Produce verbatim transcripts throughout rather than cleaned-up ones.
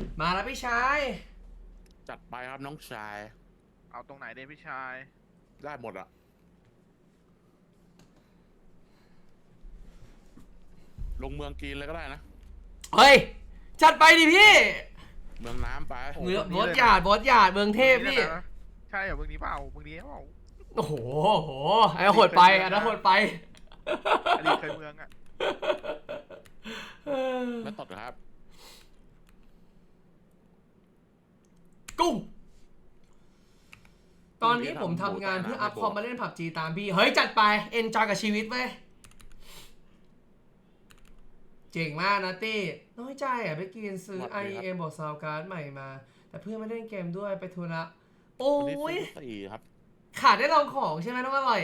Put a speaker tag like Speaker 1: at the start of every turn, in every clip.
Speaker 1: มาแล้วพี่ชาย
Speaker 2: จัดไปครับน้องชาย
Speaker 3: เอาตรงไหนเด้พี่ชาย
Speaker 2: ได้หมดอะลงเมืองกีนเลยก็ได้นะ
Speaker 1: เฮ้ยจัดไปดิพี่
Speaker 2: เมืองน้ำไป
Speaker 1: เมืองบอสหยาดบอสหยาดเมืองเทพพี่
Speaker 3: ใช่เหรอเมืองนี้เปล่าเมืองนี้เปล่า
Speaker 1: โอ้โหโหไอ้โหดไปอันนั้นโหดไป
Speaker 3: อันนี้เคยเมืองอะ
Speaker 2: ไม่ตดครับ
Speaker 1: กุ้งตอนนี้ผมทำงานเพื่ออัพคอมมาเล่นผับจีตามพี่เฮ้ยจัดไปเอนจอยกับชีวิตเว้ยเจ๋งมากนะตี้น้อยใจอ่ะไปกินซื้อ ไอ เอ็ม บอกซาวการ์ดใหม่มาแต่เพื่อนไม่เล่นเกมด้วยไปทุระโอ้ย
Speaker 2: ครับ
Speaker 1: ขาดได้ลองของใช่ไหมน้องอร่อย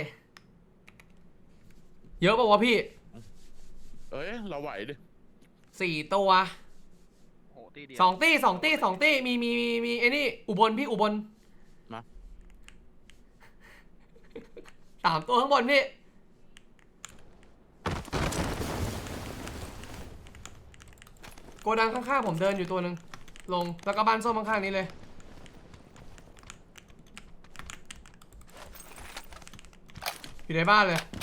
Speaker 1: เยอะป่าวะพี่
Speaker 2: เอ้ยเราไหวดิ
Speaker 1: สี่ตัวสองตี้สองตี้สองตี้มีมีมีมีไอ้นี่อุบลพี่อุบล
Speaker 2: มา
Speaker 1: สามตัวข้างบนพี่โกดังข้างๆผมเดินอยู่ตัวหนึ่งลงแล้วก็บ้านส้มข้างๆนี้เลยอยู่ในบ้านเลย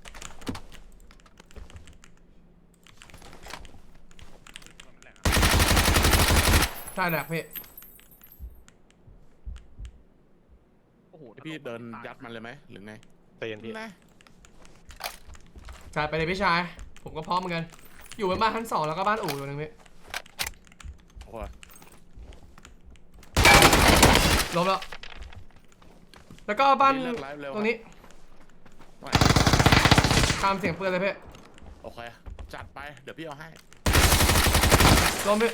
Speaker 1: ใช่แหละพี่
Speaker 3: โอ้โห
Speaker 2: พี่เดินยัดมันเลยไหมหรือไง
Speaker 4: เตียนพี่
Speaker 2: นะ
Speaker 1: จ่ายไปเลยพี่ชายผมก็พร้อมเหมือนกันอยู่บนบ้านชั้นสองแล้วก็บ้านอู่อยู่นึงพี่
Speaker 2: โอ้ย
Speaker 1: ล้มแล้วแล้วก็บ้านตรงนี้ตามเสียงปืนเลยพี่
Speaker 2: โอเคจัดไปเดี๋ยวพี่เอาให้
Speaker 1: ล้มพี่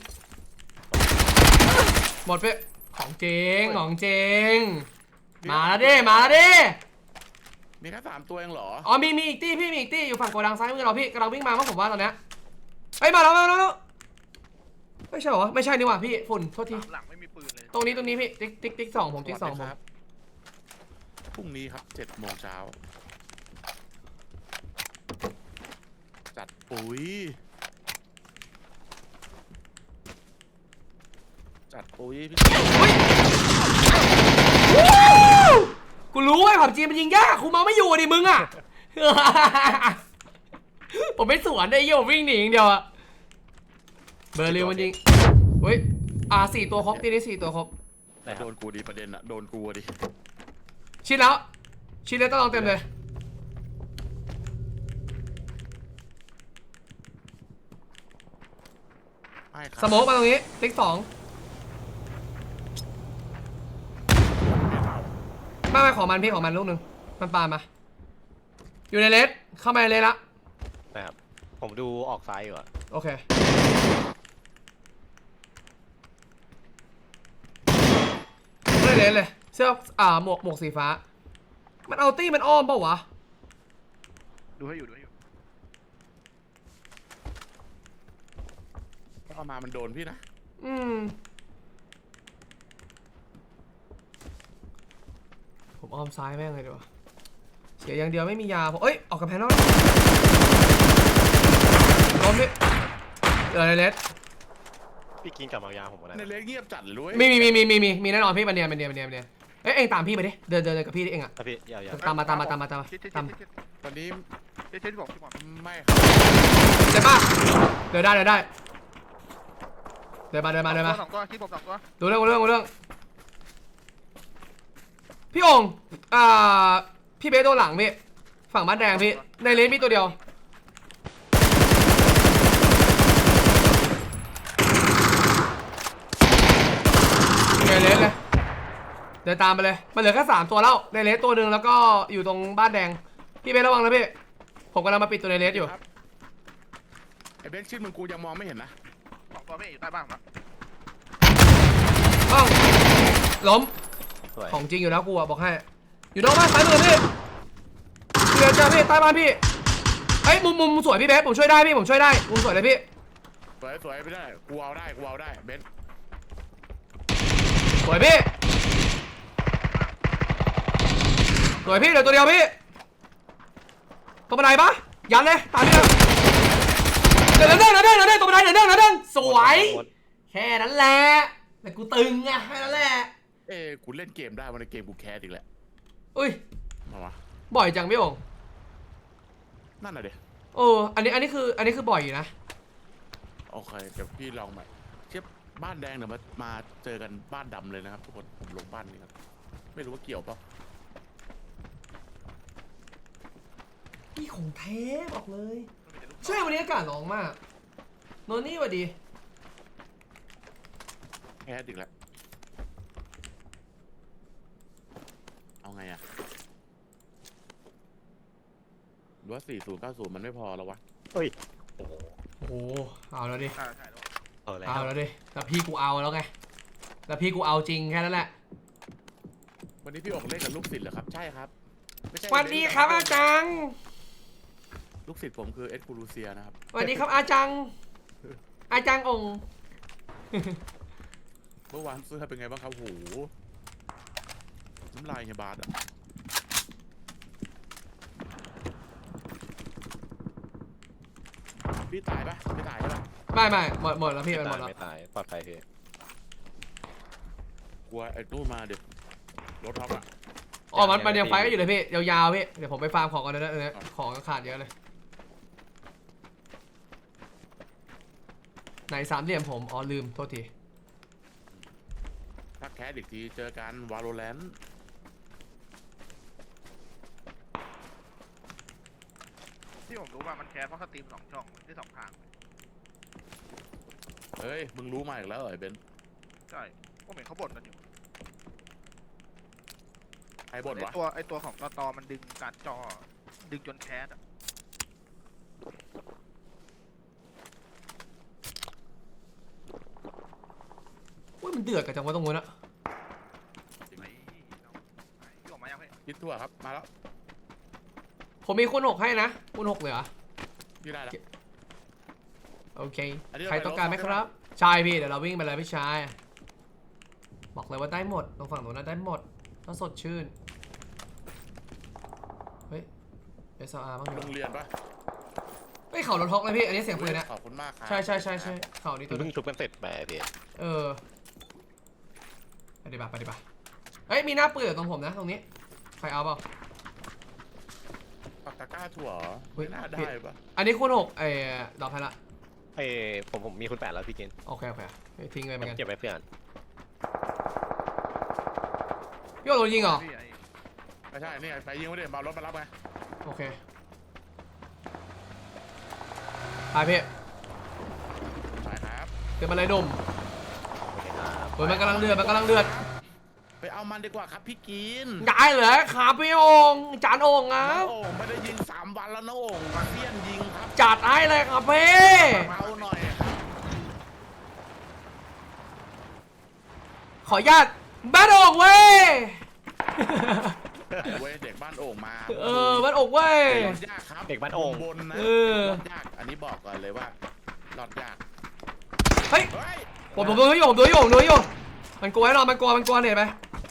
Speaker 1: หมดพี่ของเจงของเจงมาแล้วดิมาแล้วดิ
Speaker 2: มีแค่สามตัวเองเหรอ
Speaker 1: อ๋อมีมีอีกตี้พี่มีอีกตี้อยู่ฝั่งโกดังซ้ายมือเราพี่กำลังวิ่งมาเพราะผมว่าตอนเนี้ยเฮ้ยมาแล้วมาแล้วไม่ใช่เหรอไม่ใช่นี่หว่าพี่ฝุ่นโทษที
Speaker 3: หลังไม่มีปืนเลย
Speaker 1: ตรงนี้ตรงนี้พี่ติ๊กติ๊กติ๊กสองผมติ๊กสองผม
Speaker 2: พรุ่งนี้ครับเจ็ดโมงเช้าจัดปุ๋ยจัดปุ๋ยพี่
Speaker 1: กูรู้ไอ้ผับจีมันยิงยากกูมาไม่อยู่ดิมึงอ่ะผมไม่สวนได้เยี่ยววิ่งหนีอย่างเดียวอะเบอร์ลิวมันยิงเฮ้ยอ่าสี่ตัวครบทีนี้สี่ตัวครบ
Speaker 2: แต่โดนกูดีประเด็นอะโดนกูดิ
Speaker 1: ชิดแล้วชิดแล้วต้องลองเต็มเลยสโมกมาตรงนี้ติ๊กสองไม่ไม่ขอมันพี่ขอมันลูกหนึ่งมันปามาอยู่ในเลสเข้ามาในเลสละ
Speaker 4: นะครับผมดูออกซ้ายอยู่อะ
Speaker 1: โอเคไม่เลสเลยเสื้ออ่าหมวกหมวกสีฟ้ามันเอาตี้มันอ้อมเปล่าวะ
Speaker 3: ดูให้อยู่ดูให้อยู่
Speaker 2: ถ้าเอามามันโดนพี่นะ
Speaker 1: อืมผมอ้อมซ้ายแม่งเลยดีกว่าเสียอย่างเดียวไม่มียาผมเอ้ยออกกับแพนนอลล้มดิเจอในเลส
Speaker 4: พี่กินกับมายาผมก็ได้
Speaker 2: ในเลสเงียบจัดเลย
Speaker 1: มีมีมีมีมีมีมีแน่นอนพี่มันเนียนมันเนียนมันเนียนมันเนียนเอ้ยเอ็งตามพี่ไปดิเดินเดินกับพี่เอ็งอะ
Speaker 4: พี่ยาว
Speaker 1: ๆตามมาตามมาตามมาตามมาตาม
Speaker 2: วันนี้
Speaker 3: เจ๊ที่บอกที่บอก
Speaker 2: ไม่
Speaker 1: เดี๋ยวป่ะเดินได้เดินได้เดินมาเดินมาเดินมา
Speaker 3: สองตัวที่ผมสองตัว
Speaker 1: ดูเรื่องดูเรื่องดูเรื่องพี่องค์อ่าพี่เบสโดนหลังพี่ฝั่งบ้านแดงพี่ในเลนมีตัวเดียวในเลนเลยเดินตามไปเลยมันเหลือแค่สามตัวแล้วในเลนตัวหนึ่งแล้วก็อยู่ตรงบ้านแดงพี่เบสระวังนะพี่ผมกำลังมาปิดตัวในเลนอยู่
Speaker 2: ไอ้เบสชื่อมึงกูยังมองไม่เห็นนะ
Speaker 3: สองตัวไม่อยู่ใต้บ้านครับ
Speaker 1: บ้องล้มของจริงอยู่แล้วกูอะบอกให้อยู่นอกบ้านซ้ายมือพี่เดี๋ยวเจอพี่ใต้บ้านพี่เฮ้ยมุมมุมสวยพี่เบสผมช่วยได้พี่ผมช่วยได้มุมสวยเลยพี่
Speaker 2: สวยสวยไม่ได้กูเอาได้กูเอาได้เบส
Speaker 1: สวยพี่สวยพี่เดี๋ยวตัวเดียวพี่ตรงบันไดปะยันเลยตามพี่เลยเดี๋ยวเดินเดินเดินเดินตรงบันไดเดินเดินเดินสวยแค่ค่นั้นแหละแต่กูตึงไงแค่นั้นแหละ
Speaker 2: เอ้กูเล่นเกมได้วันในเกมกูแคสอีกแหละ
Speaker 1: อุ้ย
Speaker 2: มาวะ
Speaker 1: บ่อยจังพี่โอ่ง
Speaker 2: นั่นน่ะเดี๋ยว
Speaker 1: โอ้อันนี้อันนี้คืออันนี้คือบ่อยอยู่นะ
Speaker 2: โอเคเดี๋ยวพี่ลองใหม่เทียบบ้านแดงเดี๋ยวมามาเจอกันบ้านดำเลยนะครับทุกคนผมลงบ้านนี้ครับไม่รู้ว่าเกี่ยวเปล่า
Speaker 1: นี่ของแท้บอกเลย ใช่วันนี้อากาศร้อนมากโนนี่สวัสดี
Speaker 2: แคสอีกแล้วเอาไงอะหรือว่าสี่ศูนย์เก้าศูนย์มันไม่พอแล้ววะ
Speaker 4: เฮ้ยโอ้โห
Speaker 1: โอ้โหเอาแล้วดิ
Speaker 3: ใช่ใช่แล้ว
Speaker 4: เอาแล้ว
Speaker 1: เอาแล้วดิแต่พี่กูเอาแล้วไงแต่พี่กูเอาจริงแค่นั้นแหละ
Speaker 2: วันนี้พี่ออกเล่นกับลูกศิษย์เหรอครับใช่ครับไม่ใช่
Speaker 1: สวัสดีครับอาจัง
Speaker 2: ลูกศิษย์ผมคือเอ็ดกูรูเซียนะครับ
Speaker 1: สวัสดีครับอาจัง อาจังองค์
Speaker 2: เมื่อวานเสื้อเป็นไงบ้างครับโหน้ำลายเฮียบาสอะพี่ตายปะไม่ตายใช่ปะ
Speaker 1: ไม่ไม่หมดหมดแล้วพี่
Speaker 4: ไม่
Speaker 1: มันหม
Speaker 4: ตา
Speaker 1: ด
Speaker 4: ย
Speaker 1: แล้ว
Speaker 4: ไม่ตายปลอดภัยพี่
Speaker 2: กลัวไอ้ตู้มาเดี๋ยวรถท็อปอะ
Speaker 1: อ๋อมันมันยังไฟก็อยู่เลยพี่ยาวๆพี่เดี๋ยวผมไปฟาร์มของก่อนนะเนี่ยของขาดเยอะเลยไหนสามเหลี่ยมผมอ๋อลืมโทษที
Speaker 2: ถ้าแคสอีกทีเจอกันวาโลแรนต์
Speaker 3: ที่ผมรู้ว่ามันแคสเพราะสตรีมสองช่องได้สองทาง
Speaker 2: เฮ้ยมึงรู้มาอีกแล้วเหรอไอ้เบนซ์
Speaker 3: ใช่ผมเห็นเขาบ่นกันอยู่
Speaker 2: ใครบ่น
Speaker 3: ไอ
Speaker 2: วะ
Speaker 3: ตัวไอตัวของตอตอมันดึงการจอดึงจนแคสอะ
Speaker 1: อุ้ยมันเดือดกันจังวะตรงนู้นอะ
Speaker 3: ไหนไหนที่ออกมายังพี่
Speaker 2: คิดทั่วครับมาแล้ว
Speaker 1: ผมมีคูณหกให้นะคูณหกเลยเหรอ
Speaker 2: พี่ได้แล้ว
Speaker 1: โอเค
Speaker 2: อันนี้เรา
Speaker 1: ใครต้องการไหม
Speaker 2: ไปรถ
Speaker 1: ครับใช่พี่เดี๋ยวเราวิ่งไปเลยพี่ชายบอกเลยว่าได้หมดตรงฝั่งโน้นนะได้หมดต้องสดชื่นเฮ้ย เอส อาร์ บ้างเหร
Speaker 2: โร
Speaker 1: อง
Speaker 2: เรียนปะ
Speaker 1: เฮ้ยเข่ารถฮอกเลยพี่อันนี้เสียงปืนนะ
Speaker 2: ขอบคุณมากครับ
Speaker 1: ใช่ใช่ใช่ใช่เข่านี่ตัว
Speaker 4: เพิ่งชุบกันเสร็จไปพี่
Speaker 1: เออไปดิบ่าไปดิบ่าเฮ้ยมีหน้าปืนอยู่ตรงผมนะตรงนี้ใครเอาเปล่า
Speaker 2: ปากตะกร้าถั่วเหรอ
Speaker 1: เฮ้ย
Speaker 2: ไม่น่าได้ปะ
Speaker 1: อันนี้คูณหกเอ้ดอกให้ละ
Speaker 4: ไอ้ผมผมมีคุณแปดแล้วพี่กิน
Speaker 1: โอเคโอเคเฮ้ยทิ้งเลยเหมือนกัน
Speaker 4: เก็บไว้เพื่อน
Speaker 1: พี่โอโดนยิงเหรอ
Speaker 3: พี่ไอ้
Speaker 2: ไม่ใช่นี่ไปยิงไม่ได้มารถมารับไง
Speaker 1: โอเคไปพี่
Speaker 2: ไปครับ
Speaker 1: เกิดมาเลยหนุ่ม
Speaker 4: โอเคครับ
Speaker 1: เฮ้ยมันกำลังเดือดมันกำลังเดือด
Speaker 2: ไปเอามันดีกว่าครับพี่กิน
Speaker 1: ได้เลยครับพี่โองจานโองค
Speaker 2: น้
Speaker 1: รั
Speaker 2: อบ งโอ่งไม่ได้ยิงสามวันแล้วน้องโอ่งมาเสี้ยนยิงครับ
Speaker 1: จัดให้เลยครับพี่
Speaker 2: เอาหน่อยครับ
Speaker 1: ขออนุญาตบ้านโองเว้ย
Speaker 2: เว้ยเด็กบ้านโอ่งมา
Speaker 1: เออบ้านโองเว้ย
Speaker 2: รอดยากครับ
Speaker 4: เด็กบ้านโอ่ง
Speaker 2: บนนะ
Speaker 1: เออ
Speaker 2: รอดยากอันนี้บอกก่อนเลยว่ารอดยาก
Speaker 1: เฮ้ย
Speaker 2: เฮ้ย
Speaker 1: ผมผมดูให้อยู่ผมดูให้อยู่ผมดูให้อยู่มันกลัวแน่นอนมันกลัวมันกลัวเห็นไหม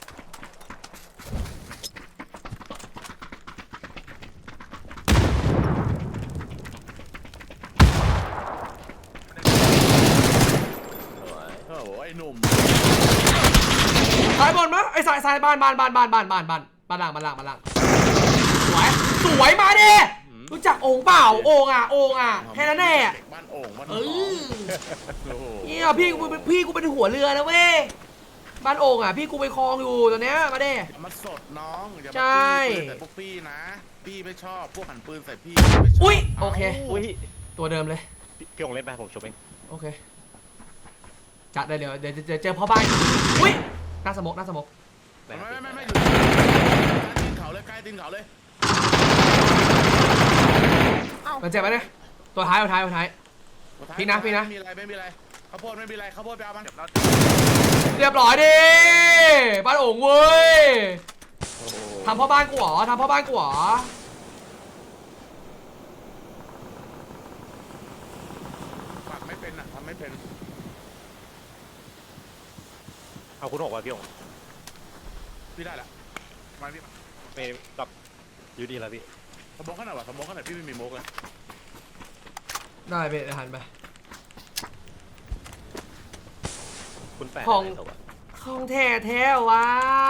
Speaker 2: โอ้โหไอ้หนุ่ม
Speaker 1: สายบนมะไอ้สายสายบ้านบ้านบ้านบ้านบ้านบ้านบ้านบ้านล่างบ้านล่างบ้านล่างสวยสวยมาดิรู้จักโอ่งเปล่าโอ่งอ่ะโอ่งอ่ะแค่นั้นแน่
Speaker 2: เด็กบ้านโอ่งบ้าน
Speaker 1: เอ
Speaker 2: โอ่ง
Speaker 1: อ
Speaker 2: โอ้โห
Speaker 1: เนี่ยพี่กูเป็นพี่กูเป็นหัวเรือนะเว้ยบ้านโอ่งอ่ะพี่กูไปคลองอยู่ตอนเนี้ยมาดิ
Speaker 2: อย่ามาสดน้องอย่า
Speaker 1: ใช่
Speaker 2: มาจี้ปืนใส่พวกพี่นะพี่ไม่ชอบพวกหันปืนใส่พี่ไม่ชบ
Speaker 1: อุ๊ยโอเค
Speaker 4: อุ้ย
Speaker 1: ตัวเดิมเลย
Speaker 4: พี่พี่องเล่นไปผมชุบเอง
Speaker 1: โอเคจัดเลยเดี๋ยวเดี๋ยวเดี๋ยวเจอพ่อบ้านอุ้ยหน้าสมกหน้าสมก
Speaker 2: ไม่ไม่ไม่ไม่อยู่ใต้ตีนเขาเลยใกล้ตีนเขาเลย
Speaker 1: มันเจ็บไหมเนี่ยตัวท้ายตัวท้ายตัวท้าย พี่นะพี่นะ
Speaker 2: ไม่มีอะไรไม่มีอะไรข้าวโพดไม่มีอะไรข้าวโพดไปเอามัน
Speaker 3: เจ็บแล้ว
Speaker 1: เรียบร้อยดิบ้านโอ่งเว้ย
Speaker 2: โอ้โห
Speaker 1: ทำพ่อบ้านกูเหรอทำพ่อบ้านกูเหรอ
Speaker 2: ปักไม่เป็นอ่ะทำไม่เป็น
Speaker 4: เอาคุณหกว่ะพี่อง
Speaker 2: พี่ได้ละ
Speaker 3: มาพี่มา
Speaker 4: ไม่รับอยูดีแล้วพี่
Speaker 2: สมองขนาดวะสมองขนาดพี่ไม่มีโมกเลย
Speaker 1: ได้ไปเดี๋ยวหันไป
Speaker 4: คุณแปด
Speaker 1: ของ
Speaker 4: อะไรตัว
Speaker 1: ของแท้แท้วะ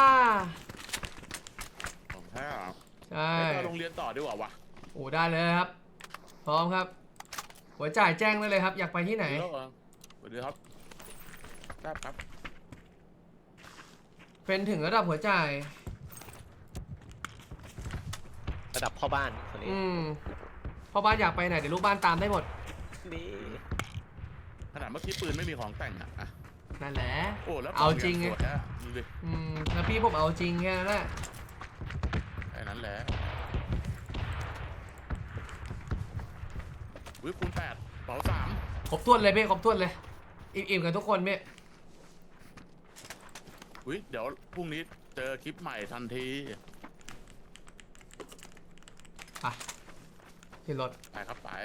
Speaker 2: ของแท้อะ
Speaker 1: ใช่
Speaker 2: ไปโรงเรียนต่อดีกว่าวะ
Speaker 1: โอ้ได้เลยครับ พร้อมครับ หัวจ่ายแจ้งได้เลยครับ อยากไปที่ไหน
Speaker 2: แล้วเหรอสวัสดีครับทราบครับ
Speaker 1: เป็นถึงระดับหัวจ่าย
Speaker 4: ระดับพ่อบ้านคนนี้
Speaker 1: อืมพ่อบ้านอยากไปไหนเดี๋ยวลูกบ้านตามได้หมด
Speaker 4: นี่
Speaker 2: ขนาดเมื่อกี้ปืนไม่มีของแต่งอะอะ
Speaker 1: นั่นแหละ
Speaker 2: โอ้แล้ว
Speaker 1: เอาจริง
Speaker 2: ไง
Speaker 1: ไง
Speaker 2: สวยอะดูดิ
Speaker 1: อืมแล้วพี่ผมเอาจริงแค่นั้นแหละ
Speaker 2: แค่นั้นแหละวิคูณแปดเป๋าสาม
Speaker 1: ครบถ้วนเลยพี่ครบถ้วนเลย อิ่มๆกันทุกคนพี่
Speaker 2: วิเดี๋ยวพรุ่งนี้เจอคลิปใหม่ทันที
Speaker 1: ไปที่รถ
Speaker 2: ไปครับไป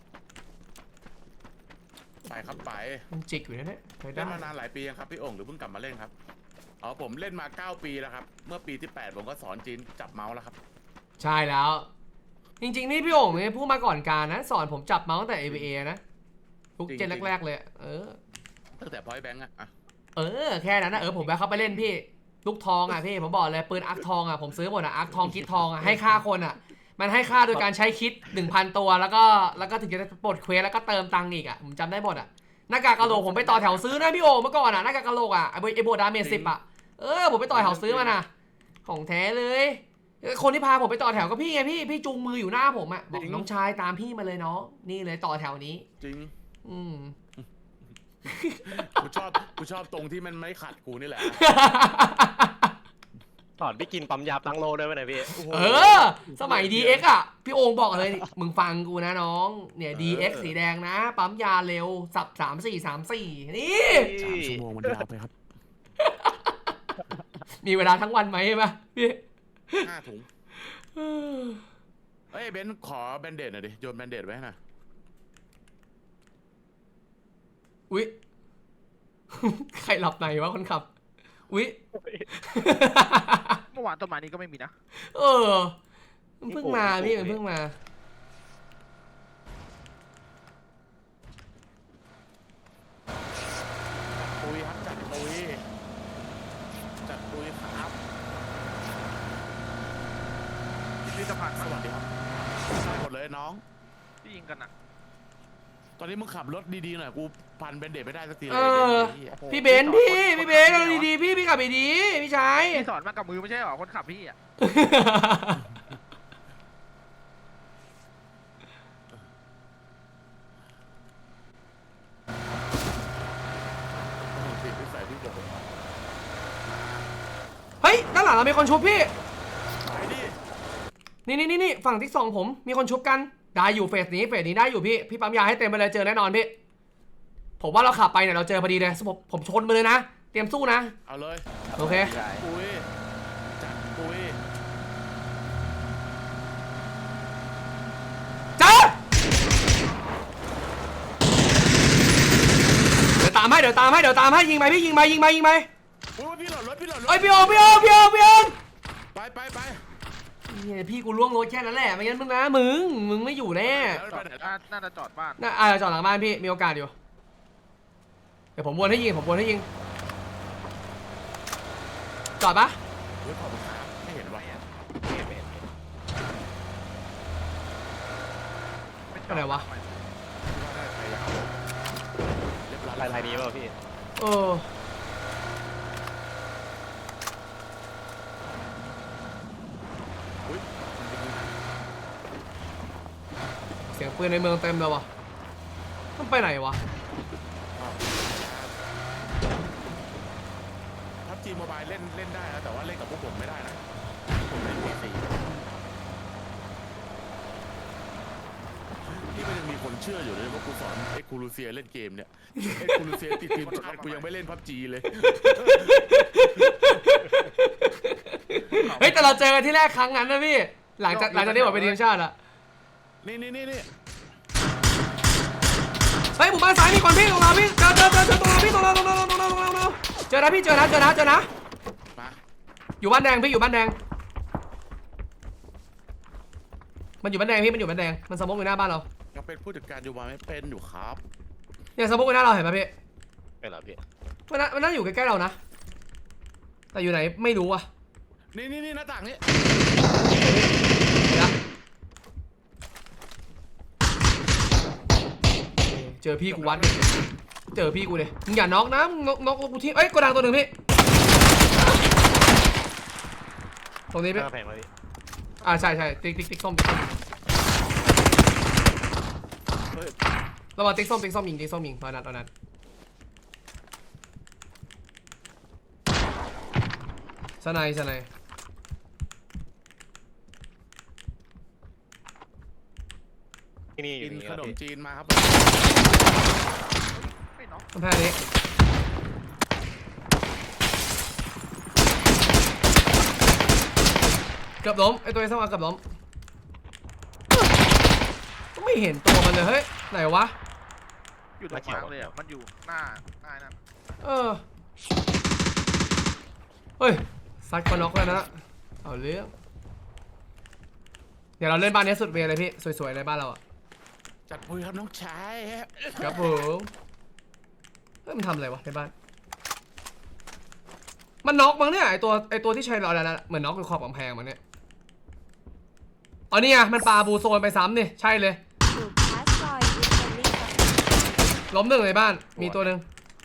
Speaker 2: ไปครับไป
Speaker 1: มันจิกอยู่นะเนี่ยไป
Speaker 2: เล่
Speaker 1: ได้
Speaker 2: นมานานหลายปียังครับพี่โอ่งหรือเพิ่งกลับมาเล่นครับอ๋อผมเล่นมาเก้าปีแล้วครับเมื่อปีที่แปดผมก็สอนจีนจับเมาส์แล้วครับ
Speaker 1: ใช่แล้ว จริงๆนี่พี่โอ่งเนี่ยพูดมาก่อนการนะ สอนผมจับเมาส์ตั้งแต่ เอ วี เอ นะทุกเจนแรกๆเลย เออ
Speaker 2: ตั้งแต่พอยแบงค์อะอะ
Speaker 1: เออแค่นั้นนะเออผมแวะเข้าไปเล่นพี่ ลูกทองอ่ะพี่ผมบอกเลยปืนอาร์คทองอ่ะผมซื้อหมดอ่ะอาร์คทองคิดทองอ่ะให้ค่าคนอ่ะ มันให้ค่าโดยการใช้คิด หนึ่งพัน ตัวแล้วก็แล้วก็ถึงจะปลดเควสแล้วก็เติมตังค์อีกอ่ะผมจำได้หมดอ่ะหน้ากากกะโหลกผมไปต่อแถวซื้อนะพี่โอเมื่อก่อนอ่ะหน้ากากกะโหลกอ่ะไอ้ไอ้โบดาเมจสิบอ่ะเออผมไปต่อแถวซื้อมานะของแท้เลยคนที่พาผมไปต่อแถวก็พี่ไงพี่พี่จูงมืออยู่หน้าผมอ่ะบอกน้องชายตามพี่มาเลยน้องนี่เลยต่อแถวนี้
Speaker 2: จริง
Speaker 1: อืม
Speaker 2: กูชอบกูชอบตรงที่มันไม่ขัดกูนี่แหละ
Speaker 4: สอนพี่กินปั๊มยาตั้งโลด้วยไหมเนี่ยพี่
Speaker 1: เออ สมัย ดี เอ็กซ์ อ่ะ พี่โองบอกเลยนี่มึงฟังกูนะน้อง เนี่ย ดี เอ็กซ์ สีแดงนะ ปั๊มยาเร็ว สับสามสี่สามสี่นี่
Speaker 2: สามชั่วโมงมันยาวไปครับ
Speaker 1: มีเวลาทั้งวันไหมใช่ปะพี่
Speaker 2: ห้าถุงเอ้ยเบนซ์ขอแบนเดดหน่อยดิโยนแบนเดดไว้ให้หน่อย
Speaker 1: อุ๊ย ใครหลับในวะคนขับ อุ๊ย
Speaker 3: เมื่อวานต้นไม้นี้ก็ไม่มีนะ
Speaker 1: เออ มันเพิ่งมาพี่มันเพิ่งมา
Speaker 2: ปุยครับจัดปุยจัดปุยครับ
Speaker 3: พิพิธภัณฑ์
Speaker 2: ส
Speaker 3: มั้ง
Speaker 2: วัสดีครับใช่หมดเลยน้อง
Speaker 3: ที่ยิงกันอ่ะ
Speaker 2: ตอนนี้มึงขับรถดีๆหน่อยกูพันแบนเดดไม่ได้สักทีเล
Speaker 1: เอย อ พี่เบนซ์พี่ พี่เบนซ์เอาดีๆพี่ พี่ขับดีๆพี่ชาย
Speaker 3: พี่สอนมากับมือไม่ใช่หรอคนขับพี่อ่ะ
Speaker 2: ติดนิสัยพี่ผม
Speaker 1: เฮ้ย ด้านหลังเรามีคนชุบพี่
Speaker 2: ไปดิ
Speaker 1: นี่นี่นี่นี่ฝั่งที่สองผมมีคนชุบกันได้อยู่เฟสนี้เฟสนี้ได้อยู่พี่พี่ปั๊มยาให้เต็มไปเลยเจอแน่นอนพี่ผมว่าเราขับไปเนี่ยเราเจอพอดีเลยผมผมชนมาเลยนะเตรียมสู้นะ
Speaker 2: เอาเลย
Speaker 1: โอเค
Speaker 2: ปุยจัดปุย
Speaker 1: เจอเดี๋ยวตามให้เดี๋ยวตามให้เดี๋ยวตามให้ยิงไปพี่ยิงไปยิงไปยิงไป
Speaker 2: ปุยพี่หลอดรถพี่หลอดรถ
Speaker 1: เอ้ยพี่โอพี่โอพี่โอพี่โอ
Speaker 2: ไปไปไป
Speaker 1: เนี่ยพี่กูล่วงรถแค่นั้นแหละไม่งั้นมึงนะมึงมึงไม่อยู่แน่
Speaker 2: แล้ว
Speaker 3: จ
Speaker 2: ไป
Speaker 3: อด
Speaker 2: ไหน
Speaker 3: น่า
Speaker 2: ล่ะ
Speaker 3: น่าจะจอดบ้าน
Speaker 1: น่าอ่าจอดหลังบ้านพี่มีโอกาสอยู่เดี๋ยวผมวนให้ยิงผมวนให้ยิงจอดปะ
Speaker 2: เฮ้ยขอบคุณครับไม่เห็นว่ะ
Speaker 3: ไม่จอด
Speaker 1: อะไรวะ
Speaker 2: คิดว่าได้ไปยาวเรียบร้อย
Speaker 4: ลายลายนี้เปล่าพี่
Speaker 1: เออ
Speaker 2: อุ้ยมันเป็นยังไง
Speaker 1: เสียงปืนในเมืองเต็มเลยวะมันไปไหนวะ
Speaker 2: พับจีโมบายเล่นเล่นได้นะแต่ว่าเล่นกับพวกผมไม่ได้นะผมเล่นพีซีนี่ก็ยังมีคนเชื่ออยู่เลยว่ากูสอนเอ็กคูลูเซียเล่นเกมเนี่ยเอ็กคูลูเซียติดทีมชาติกูยังไม่เล่นพับจีเลย
Speaker 1: เฮ้ยแต่เราเจอกันที่แรกครั้งนั้นนะพี่หลังจากหลังจากที่ผมไปทีมชาติอะ
Speaker 2: นี่นี่นี่นี่
Speaker 1: เฮ้ยหมู่บ้านซ้ายมีคนพี่ตรงเราพี่เจอเจอเจอเจอตรงเราพี่ตรงเราตรงเราตรงเราตรงเราตรงเราเจอนะพี่เจอนะเจอนะเจอนะ
Speaker 2: มา
Speaker 1: อยู่บ้านแดงพี่อยู่บ้านแดงมันอยู่บ้านแดงพี่มันอยู่บ้านแดงมันสมมติอยู่หน้าบ้านเรา
Speaker 2: ยังเป็นผู้จัดการอยู่มาไม่เป็นอยู่ครับ
Speaker 1: เนี่ยสมมติอยู่หน้าเราเห็นไหมพี่
Speaker 4: เป็นเหรอพี่
Speaker 1: มันน่ามันน่าอยู่ใกล้ๆเรานะแต่อยู่ไหนไม่รู้อ่ะ
Speaker 2: นี่นี่นี่หน้าต่างนี้
Speaker 1: เดี๋ยวนะเจอพี่กูวัดดิเจอพี่กูเลยมึงอย่าน็อกนะมึงน็อกน็อกกูที่เอ้ยกระดังตัวหนึ่งพี่ตรงนี้พี่
Speaker 4: หน้าแพงเลยพี่
Speaker 1: อ่าใช่ใช่ติ๊กติ๊กติ๊กส้มติ๊กส้ม
Speaker 2: เฮ้ย
Speaker 1: ระวังติ๊กส้มติ๊กส้มยิงติ๊กส้มยิงตอนนั้นตอนนั้นสไนสไน
Speaker 4: ที่นี่อ
Speaker 2: กิ
Speaker 4: ยู่
Speaker 2: น
Speaker 4: นี่
Speaker 2: ข
Speaker 4: ครับ
Speaker 2: นม
Speaker 4: พี่
Speaker 2: จีนมาครับ
Speaker 3: ไม่น็อก
Speaker 1: กำแพงนี้เกือบล้มไอตัวไอ้สว่างเกือบล้มก็ไม่เห็นตัวมันเลยเฮ้ยไหนวะ
Speaker 3: อยู่ตรงกลางเลยอ่ะมันอยู่หน้าหน้านั่น
Speaker 1: เออเฮ้ยซัดคอนน็อกแล้วนะเอาเรื่องเดี๋ยวเราเล่นบ้านนี้สุดเวย์เลยพี่สวยๆเลยบ้านเราอ่ะ
Speaker 2: จัดปุยครับน้องชาย
Speaker 1: ครับผมเฮ้ยมันทำอะไรวะในบ้านมันน็อกมั้งเนี่ยไอตัวไอตัวที่ใช้เราแล้วนะเหมือนน็อกอยู่ขอบกำแพงมั้งเนี่ยอ๋อนี่ไงมันปาบูโซนไปซ้ำนี่ใช่เลย
Speaker 5: อยู่พาสซอยดิสคัฟเวอรี่ครับ
Speaker 1: ล้มหนึ่งในบ้านมีตัวหนึ่ง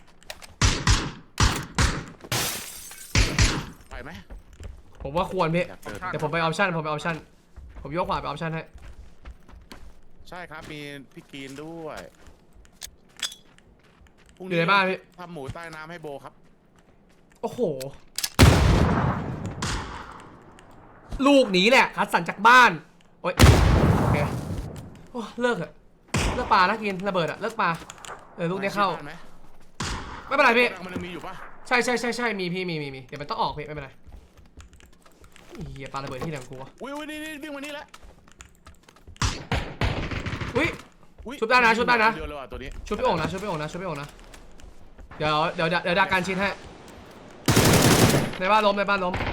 Speaker 2: ไปไหม
Speaker 1: ผมว่าควรพี่
Speaker 2: อยากเดิน
Speaker 1: เดี๋ยวผมไปออปชั่นผมไปออปชั่นผมยกขวาไปออปชั่นให้
Speaker 2: ใช่ครับมีพี่กรีนด้วยพรุ่ง
Speaker 1: อยู่ในบ้านพี่
Speaker 2: ทำหมูใต้น้ำให้โบครับ
Speaker 1: โอ้โหลูกหนีแหละคัดสันจากบ้านโอ๊ยโอเคโอ้เลิกเถอะเลิกปลานะกินระเบิดอะเลิกปลาเออลูกนี้เข้า
Speaker 2: บ้นไหม
Speaker 1: ไม่เป็นไรพี่
Speaker 2: มันยังมีอยู่ปะ
Speaker 1: ใช่ใช่ใช่ใช่มีพี่มีมีมีเดี๋ยวมันต้องออกพี่ไม่เป็นไรเฮียปลาระเบิดที่ไหนของกูวะ
Speaker 2: อุ้ยอุ้ยนี่นี่วิ่งมานี่แล้ว
Speaker 1: อุ้ย
Speaker 2: อุ๊ย
Speaker 1: ชุบได้นะชุบได้นะ
Speaker 2: เดียวเลยว่ะตัวนี้
Speaker 1: ชุบพี่โอ่งนะชุบพี่โอ่งนะชุบพี่โอ่งนะเดี๋ยวเดี๋ยวเดี๋ยวดักการชิ้นให้ในบ้านล้มในบ้านล้ม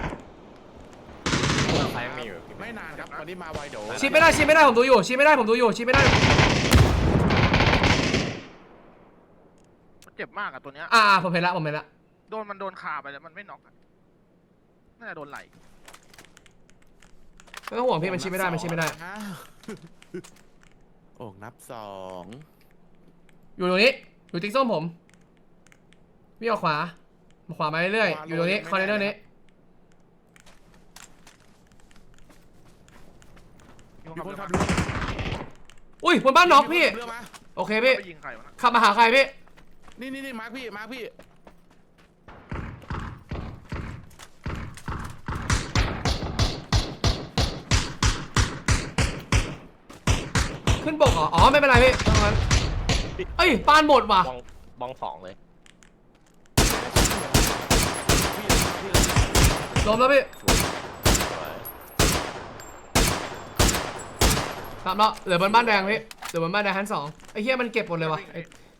Speaker 4: ซ้ายยังมีอยู่พี่
Speaker 2: ไม่นานครับวันนี้มาไวเดี๋ยว
Speaker 1: ชิ้นไม่ได้ชิ้นไม่ได้ผมดูอยู่ชิ้นไม่ได้ผมดูอยู่ชิ้นไม่ได้
Speaker 3: มันเจ็บมากอ่ะตัวเนี้ย
Speaker 1: อ่าผมเห็นละผมเห็นละ
Speaker 3: โดนมันโดนขาไปแล้วมันไม่น็อกอะน่าจะโดนไหล
Speaker 1: ไม่ต้องห่วงพี่มันชิ้นไม่ได้มันชิ้นไม่ได้
Speaker 2: อ้าวโอ่งนับสอง
Speaker 1: อยู่ตรงนี้อยู่ติ๊กส้มผมพี่ออกขวาขวามาเรื่อยๆอยู่ตรงนี้คอนเทนเนอร์นี้
Speaker 2: มีคนขับ
Speaker 3: เรื
Speaker 2: เรือ
Speaker 1: อุ้ยบนบ้านน็อกพี่
Speaker 2: เรือมา
Speaker 1: โอเคพี่
Speaker 3: ไปยิงใครวะนะ
Speaker 1: ขับมาหาใครพี่
Speaker 2: นี่นี่นี่มาร์คพี่มาร์คพี่
Speaker 1: ขึ้นบกเหรออ๋อไม่เป็นไรพี่ตรงนั้นเอ้ยปานหมดว่ะ
Speaker 4: บองบองสองเลย
Speaker 1: ล้มแล้วพี่
Speaker 4: สวย
Speaker 1: ตามแล้วเหลือบนบ้านแดงพี่เหลือบนบ้านแดงชั้นสองไอ้เหี้ยมันเก็บหมดเลยว่ะไอ้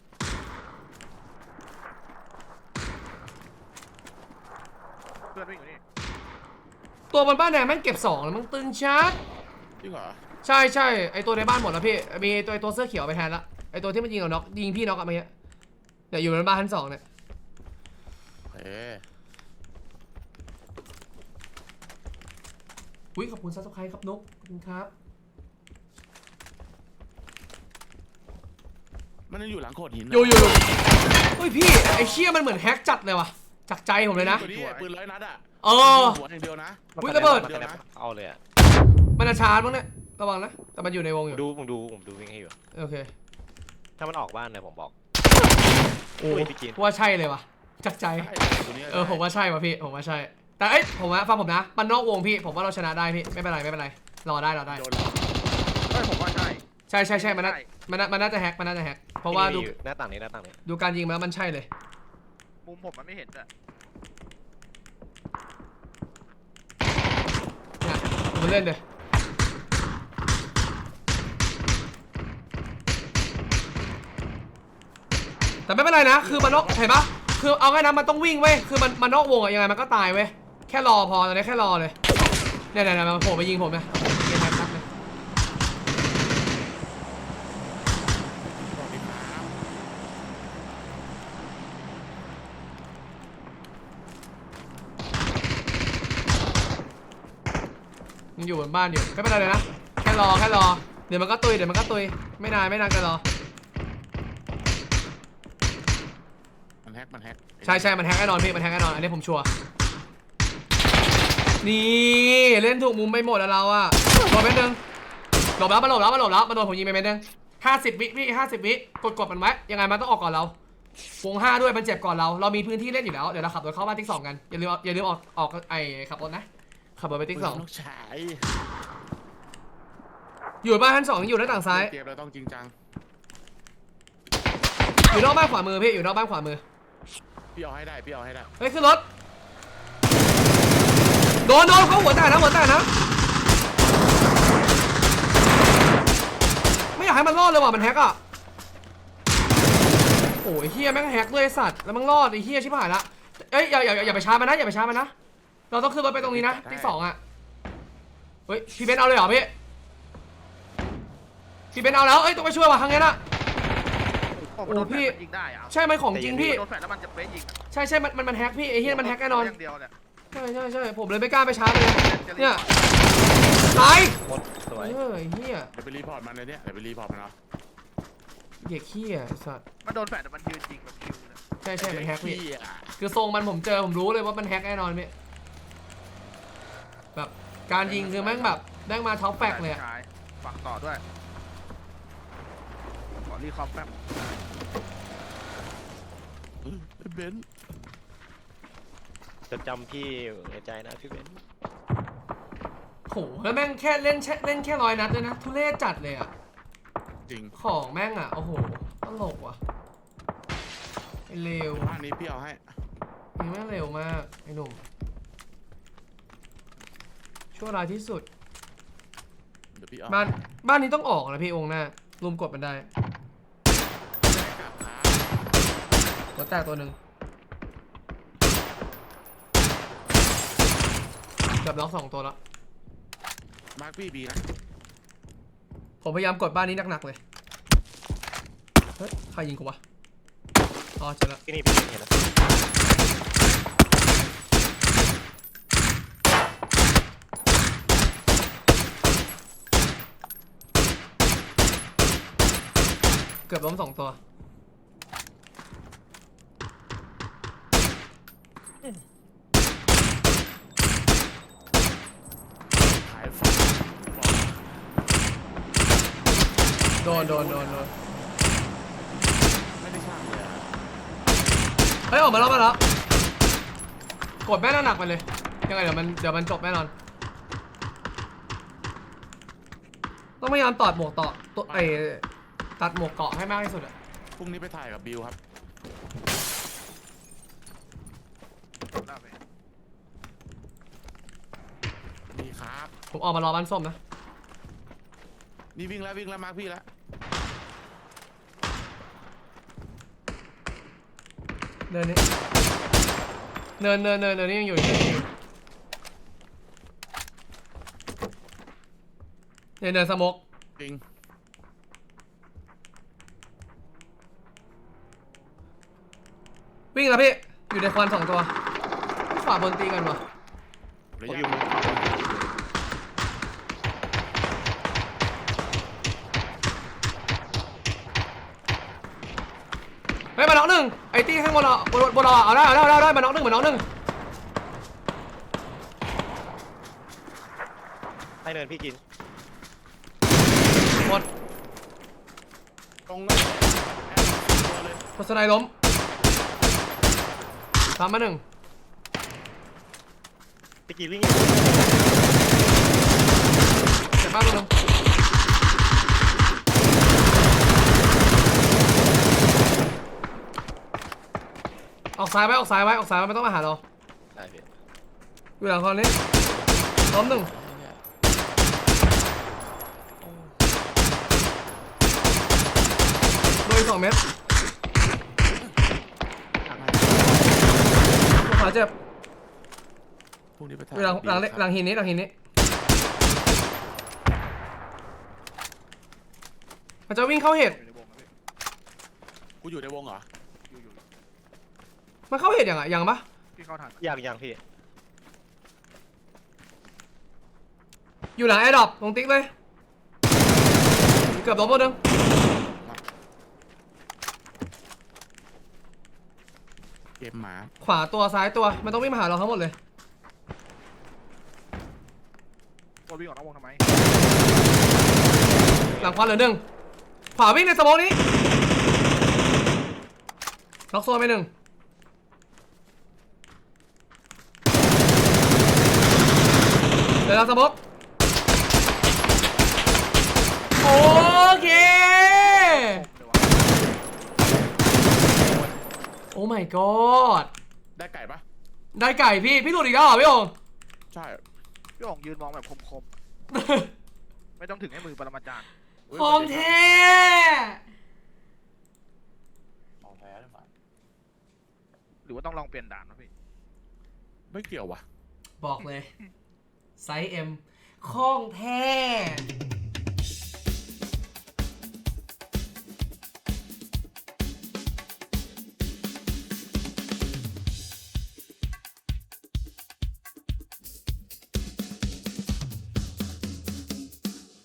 Speaker 3: เพื่อนวิ่งอยู่นี่
Speaker 1: ตัวบนบ้านแดงแม่งเก็บสองแล้วมันตึงชัด
Speaker 2: จริงเหรอ
Speaker 1: ใช่ใช่ไอตัวในบ้านหมดแล้วพี่มีตัวไอตัวเสื้อเขียวไปแทนละไอตัวที่มันยิงเราน็อกยิงพี่น็อกอะเมื่อกี้เดี๋ยวอยู่บนบ้านชั้นสองเนี่ย
Speaker 2: เอ๊ะ
Speaker 1: อุ้ยขอบคุณซับสไครต์ครับนุ๊กขอบคุณครับ
Speaker 2: มันยังอยู่หลังโขดหิน
Speaker 1: อยู่อยู่อยู่เฮ้ยพี่ไอเชี่ยมันเหมือนแฮกจัดเลยว่ะจากใจผมเลยนะ
Speaker 2: ตัวนี้ปืนร้อยนัดอ่ะ
Speaker 1: เออ
Speaker 2: หัวอย่างเดียวนะ
Speaker 1: อุ๊ยระเบิด
Speaker 4: มันกระเอาเลยอะ
Speaker 1: มันจะชาร์จมั้งเนี่ยระวังนะแต่มันอยู่ในวง
Speaker 4: ผ
Speaker 1: อยู่
Speaker 4: มดูผมดูผมดูวิ่งให้อยู่
Speaker 1: โอเค
Speaker 4: ถ้ามันออกบ้านเลยผมบอก
Speaker 1: โอ้
Speaker 4: อุ้ยพี่กิน
Speaker 1: ว่าใช่เลยว่ะจากใจ
Speaker 2: ใช่ตัวนี้
Speaker 1: เออผมว่าใช่ว่ะพี่ผมว่าใช่ แต่เอ้ยผมว่าฟังผมนะมันนอกวงพี่ผมว่าเราชนะได้พี่ไม่เป็นไรไม่เป็นไรรอได้รอได้
Speaker 2: โดน
Speaker 3: เฮ้ยผมว่าใช่
Speaker 1: ใช่ใช่ใช่มันน่ามันน่ามันน่าจะแฮกมันน่าจะแฮกเพราะว่าดู
Speaker 4: ที่นี่มีอยู่หน้าต่างนี้หน้าต่างนี้
Speaker 1: ดูการยิงมาแล้วมันใช่เลย
Speaker 3: มุมผมมันไม่เห็นด้วย
Speaker 1: เนี่ยมันเล่นเลยแต่ไม่เป็นไรนะคือมันนอกเห็นปะคือเอาง่ายนะมันต้องวิ่งเว้ยคือมันมันนอกวงอะยังไงมันก็ตายเว้ยแค่รอพอตอนนี้แค่รอเลยเนี่ยเนี่ยเนี่ยมันโผล่ไปยิงผมนะเกมแฮกนักเลย
Speaker 2: สวัสดีครับ
Speaker 1: มันอยู่บนบ้านอยู่ไม่เป็นไรเลยนะแค่รอแค่รอเดี๋ยวมันก็ตุยเดี๋ยวมันก็ตุยไม่นานไม่นานก็รอ
Speaker 2: มันแฮกมันแฮก
Speaker 1: ใช่ใช่มันแฮกแน่นอนพี่มันแฮกแน่นอนอันนี้ผมชัวร์นี่เล่นถูกมุมไปหมดแล้วเราอะโดนเม็ดนึงหลบแล้วมาหลบแล้วมาหลบแล้วมาโดนผมยิงไปเม็ดนึงห้าสิบวิพี่ห้าสิบวิกดกดมันไว้ยังไงมันต้องออกก่อนเราวงห้าด้วยมันเจ็บก่อนเราเรามีพื้นที่เล่นอยู่แล้วเดี๋ยวเราขับรถเข้าบ้านติ๊กสองกันอย่าลืมอย่าลืมออกออกไอขับรถนะขับรถไปติ๊กสอง
Speaker 2: ต้องใช้
Speaker 1: อยู่บ้านชั้นสองอยู่หน้าต่างซ้าย
Speaker 2: เกมเราต้องจริงจัง
Speaker 1: อยู่นอกบ้านขวามือพี่อยู่นอกบ้านขวามือ
Speaker 2: พี่เอาให้ได้พี่เอาให้ได้
Speaker 1: เฮ้ยขึ้นรถโดนโดนเขาหัวแตกนะหัวแตกนะไม่อยากให้มันรอดเลยว่ะมันแฮกอ่ะโอ้ยเฮียแม่งแฮกด้วยไอ้สัตว์แล้วมันรอดไอ้เฮียชิบหายละเอ้ยอย่าอย่าอย่าไปช้ามันนะอย่าไปช้ามันนะเราต้องขึ้นรถไปตรงนี้นะที่สองอ่ะเฮ้ยพี่เบนเอาเลยเหรอพี่พี่เบนเอาแล้วเอ้ยต้องไปช่วยว่ะครั้งนี้นะ
Speaker 3: โอ้โหโดนแฟลชมันยิงได้อะ
Speaker 1: ใช่ไหมของจริงพี่
Speaker 3: โดนแฟลชแล้วมันจะเป๊ะยิง
Speaker 1: ใช่ใช่มันมันมันแฮกพี่ไอ้เฮียมันแฮกแน่นอน
Speaker 3: อย่างเดียวเนี่ย
Speaker 1: ใช่ใช่ใช่ผมเลยไม่กล้าไปชาร์จเลย
Speaker 3: จะรีบ
Speaker 1: เนี่ยตาย
Speaker 4: หมดสวย
Speaker 1: เออไอ้เฮีย
Speaker 2: เดี๋ยวไปรีพอร์ตมันเลยเนี่ยเดี๋ยวไปรีพอร์ตมันเนาะ
Speaker 1: เด็กเฮียไอ้สัตว์
Speaker 3: มันโดนแฟลชแต่มันยืนจริงแบบคิวเนี่ย
Speaker 1: ใช่ใช่มันแฮกพี่
Speaker 2: เหี้ย
Speaker 1: คือทรงมันผมเจอผมรู้เลยว่ามันแฮกแน่นอนพี่แบบการยิงคือแม่งแบบแม่งมาท็อปแฟกเลยอะ
Speaker 3: ใช่ฝังต่อด้วยขอรีคอมแป๊บ
Speaker 2: เออไอ้เบนซ์
Speaker 4: จะจำพี่ในใจนะพี่เบนซ์
Speaker 1: โหแล้วแม่งแค่เล่นแค่เล่นแค่ร้อยนัดเลยนะทุเรศจัดเลยอะ
Speaker 2: จริง
Speaker 1: ของแม่งอะโอ้โหตลกว่ะไอ้เลว
Speaker 2: บ้านนี้พี่เอาให้
Speaker 1: นี่แม่งเร็วมากไอ้หนุ่มชั่วร้ายที่สุด
Speaker 2: เดี๋ยวพี่เอา
Speaker 1: บ้านบ้านนี้ต้องออกนะพี่องค์หน้ารุมกดมันได้
Speaker 2: กลับขา
Speaker 1: หัวแตกตัวหนึ่งเกือบล็อกสองตัวแล้ว
Speaker 2: มาร์คพี่บีนะ
Speaker 1: ผมพยายามกดบ้านนี้หนักๆเลยเฮ้ยใครยิงกูวะอ๋อเจอแล้ว
Speaker 4: พี่นี่พี่เห็นแล้ว
Speaker 1: เกือบล้มสองตัว
Speaker 2: ขายฝันบอก
Speaker 1: โดนโดนโดนโดน
Speaker 2: ไม่ได้ช่างเลยอะ
Speaker 1: เฮ้ยออกมาแล้วมาแล้วกดแม่หนักๆไปเลยยังไงเดี๋ยวมันเดี๋ยวมันจบแน่นอนต้องพยายามตอดหมวกต่อตัวไอตัดหมวกเกาะให้มากที่สุดอะ
Speaker 2: พรุ่งนี้ไปถ่ายกับบิวครับ
Speaker 3: ได้ไหม
Speaker 2: นี่ครับ
Speaker 1: ผมออกมารอบ้านส้มนะ
Speaker 2: นี่วิ่งแล้ววิ่งแล้วมาร์คพี่แล้ว
Speaker 1: เนินนี้เนินเนินเนินเนินนี่ยังอยู่ยังอยู่เนินเนินสโมก
Speaker 2: จริง
Speaker 1: วิ่งแล้วพี่อยู่ในควันสองตัวขวาบนตีกันวะ
Speaker 2: ระยะ
Speaker 1: เฮ้ยมาน็อกหนึ่งไอ้ตีข้างบนเราบนบนเราอะเอาได้เอาได้เอาได้เอาได้มาน็อกหนึ่งมาน็อกหนึ่ง
Speaker 4: ให้เนินพี่กิน
Speaker 1: หมด
Speaker 2: ตรงนั้นตัวเลย
Speaker 1: โฆษณาล้มตามมาหนึ่ง
Speaker 4: พี่กินวิ่ง
Speaker 1: เจ็บมากตัวหนึงออกซ้ายไว้ออกซ้ายไว้ออกซ้ายไว้ไม่ต้องมาหาเรา
Speaker 4: ได้พี่
Speaker 1: อยู่หลังคอนนี้ล้มหนึ่งโดนอีกสองเมตรขาเจ็บ
Speaker 2: พรุ่งนี้ไปถ่า
Speaker 1: อย ยู่หลัง
Speaker 2: กับ
Speaker 1: หลัง
Speaker 2: บิวครับ
Speaker 1: หลังหินนี้หลังหินนี้มันจะวิ่งเข้าเห็ด
Speaker 3: อยู่ในวงนะ
Speaker 2: กูอยู่ในวงเหรอ
Speaker 3: พี่อยู่อยู่
Speaker 1: มันเข้าเห็ดยังอ่ะยังปะ
Speaker 3: พี่เข้าทัน
Speaker 4: อย่างอย่างพี่
Speaker 1: อยู่หลังแอร์ดรอปตรงติ๊กเลยเกือบล้มหมดนึง
Speaker 2: เกมหมา
Speaker 1: ขวาตัวซ้ายตัวมันต้องวิ่งมาหาเราทั้งหมดเลย
Speaker 3: ตัววิ่งออกนอกวงทำไม
Speaker 1: หลังควันเหลือหนึ่งขวาวิ่งในสโมองนี้ล็อกโซนไปหนึ่งเดี๋ยวเราสโมองโอเค
Speaker 3: เดี๋ยววะ
Speaker 1: โอ้ my god
Speaker 2: ได้ไก่ปะ
Speaker 1: ได้ไก่พี่พี่หลุดอีกแล้วเหรอพี่โอ่ง
Speaker 2: ใช่
Speaker 3: พี่อ๋องยืนมองแบบคมๆไม่ต้องถึงให้มือปรมาจารย์
Speaker 2: อุ๊ย
Speaker 1: ของแท้
Speaker 2: ของแท้หรือเปล่า
Speaker 3: หรือว่าต้องลองเปลี่ยนด่านนะพี่
Speaker 2: ไม่เกี่ยววะ
Speaker 1: บอกเลยไซส์ M ของแท้